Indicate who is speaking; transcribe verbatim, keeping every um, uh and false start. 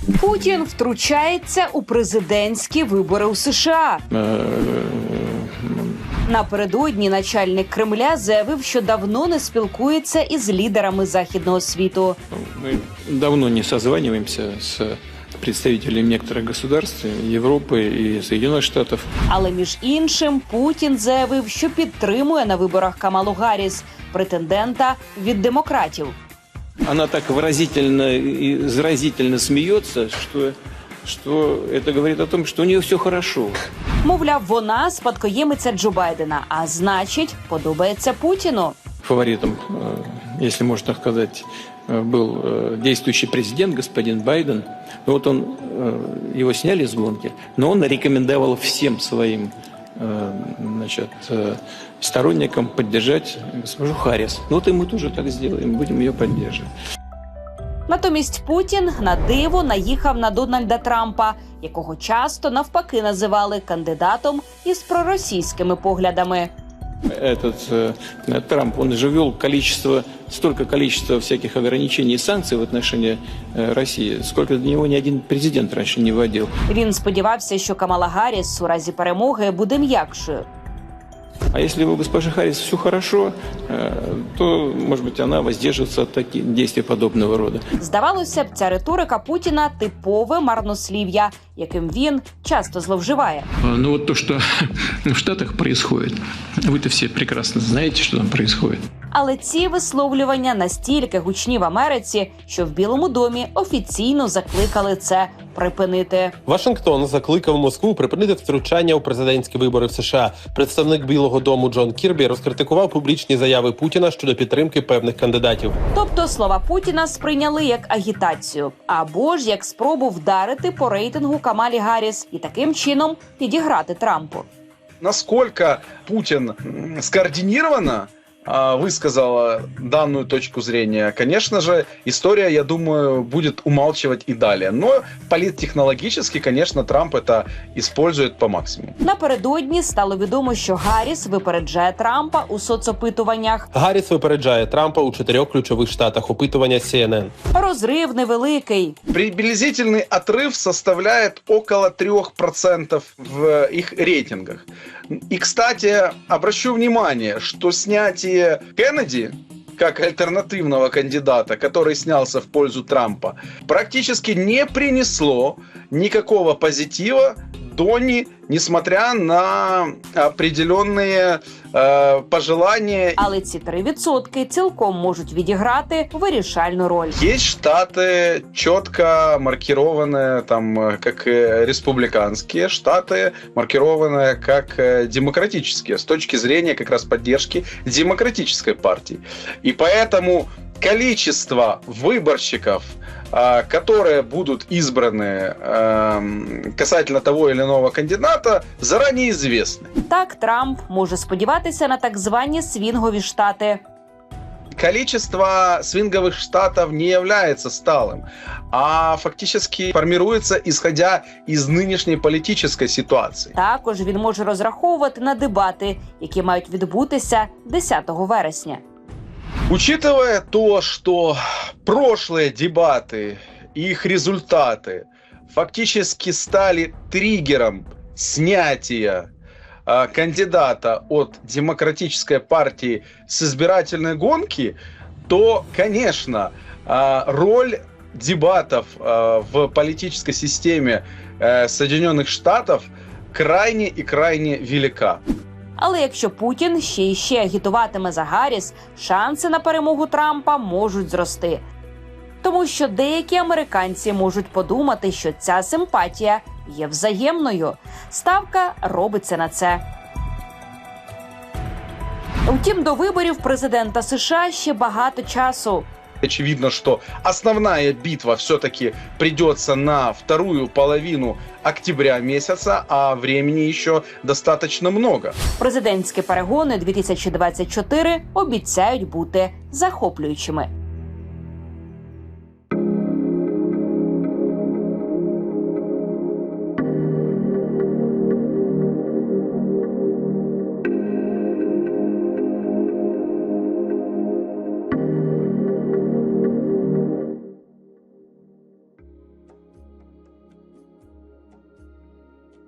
Speaker 1: Путін втручається у президентські вибори у США. Напередодні начальник Кремля заявив, що давно не спілкується із лідерами західного світу.
Speaker 2: Ми давно не созванюємося з представителями некоторых государств Європи і Сполучених Штатів.
Speaker 1: Але між іншим Путін заявив, що підтримує на виборах Камалу Гарріс, претендента від демократів.
Speaker 2: Она так выразительно и заразительно смеется, что, что это говорит о том, что у нее все хорошо.
Speaker 1: Мовляв, вона спадкоємиця Джо Байдена, а значить, подобається Путіну.
Speaker 2: Фаворитом, если можно так сказать, был действующий президент, господин Байден. Вот он, его сняли с гонки, но он рекомендовал всем своим, значит, сторонникам поддержать госпожу Харрис. Вот и мы тоже так сделаем, будем ее поддерживать.
Speaker 1: Натомість Путін на диво наїхав на Дональда Трампа, якого часто навпаки називали кандидатом із проросійськими поглядами.
Speaker 2: Этот э, Трамп, он же ввел количество, столько количества всяких ограничений и санкций в отношении э, России, сколько до него ни один президент раньше не вводил.
Speaker 1: Він сподівався, що Камала Гарріс у разі перемоги буде м'якшою.
Speaker 2: А если у госпожи Харрис все хорошо, то, может быть, она воздержится от таких действий подобного рода.
Speaker 1: Здавалося б, ця риторика Путіна – типове марнослів'я, яким він часто зловживає.
Speaker 2: Ну вот то, что в Штатах происходит, вы-то все прекрасно знаете, что там происходит.
Speaker 1: Але ці висловлювання настільки гучні в Америці, що в Білому домі офіційно закликали це припинити.
Speaker 3: Вашингтон закликав Москву припинити втручання у президентські вибори в США. Представник Білого дому Джон Кірбі розкритикував публічні заяви Путіна щодо підтримки певних кандидатів.
Speaker 1: Тобто слова Путіна сприйняли як агітацію, або ж як спробу вдарити по рейтингу Камалі Гарріс і таким чином підіграти Трампу.
Speaker 4: Насколько Путин скоординированно высказала данную точку зрения, конечно же, история, я думаю, будет умалчивать и далее. Но политтехнологически, конечно, Трамп это использует по максимуму.
Speaker 1: Напередодні стало відомо, що Гарріс випереджає Трампа у соцопитуваннях.
Speaker 3: Гарріс випереджає Трампа у чотирьох ключових штатах. Опитування Сі Ен Ен.
Speaker 1: Розрив невеликий.
Speaker 4: Приблизительный отрыв составляет около трех процентов в их рейтингах. И, кстати, обращу внимание, что снятие Кеннеди как альтернативного кандидата, который снялся в пользу Трампа, практически не принесло никакого позитива Дони, несмотря на определенные э, пожелания.
Speaker 1: Але ці три відсотки цілком можуть відіграти вирішальну роль.
Speaker 4: Есть штаты, четко маркированные там как республиканские, штаты, маркированные как демократические, с точки зрения как раз поддержки демократической партии. И поэтому количество выборщиков, которые будут избраны касательно того или иного кандидата, заранее известны.
Speaker 1: Так, Трамп може сподіватися на так звані свінгові штати.
Speaker 4: Количество свинговых штатов не является сталым, а фактически формируется исходя из нынешней политической ситуации.
Speaker 1: Також він може розраховувати на дебати, які мають відбутися десятого вересня.
Speaker 4: Учитывая то, что прошлые дебаты и их результаты фактически стали триггером снятия э, кандидата от демократической партии с избирательной гонки, то, конечно, э, роль дебатов э, в политической системе э, Соединенных Штатов крайне и крайне велика.
Speaker 1: Але якщо Путін ще й ще агітуватиме за Гарріс, шанси на перемогу Трампа можуть зрости. Тому що деякі американці можуть подумати, що ця симпатія є взаємною. Ставка робиться на це. Втім, до виборів президента США ще багато часу.
Speaker 4: Очевидно, что основная битва все-таки придется на вторую половину октября месяца, а времени еще достаточно много.
Speaker 1: Президентські перегони дві тисячі двадцять чотири обіцяють бути захоплюючими.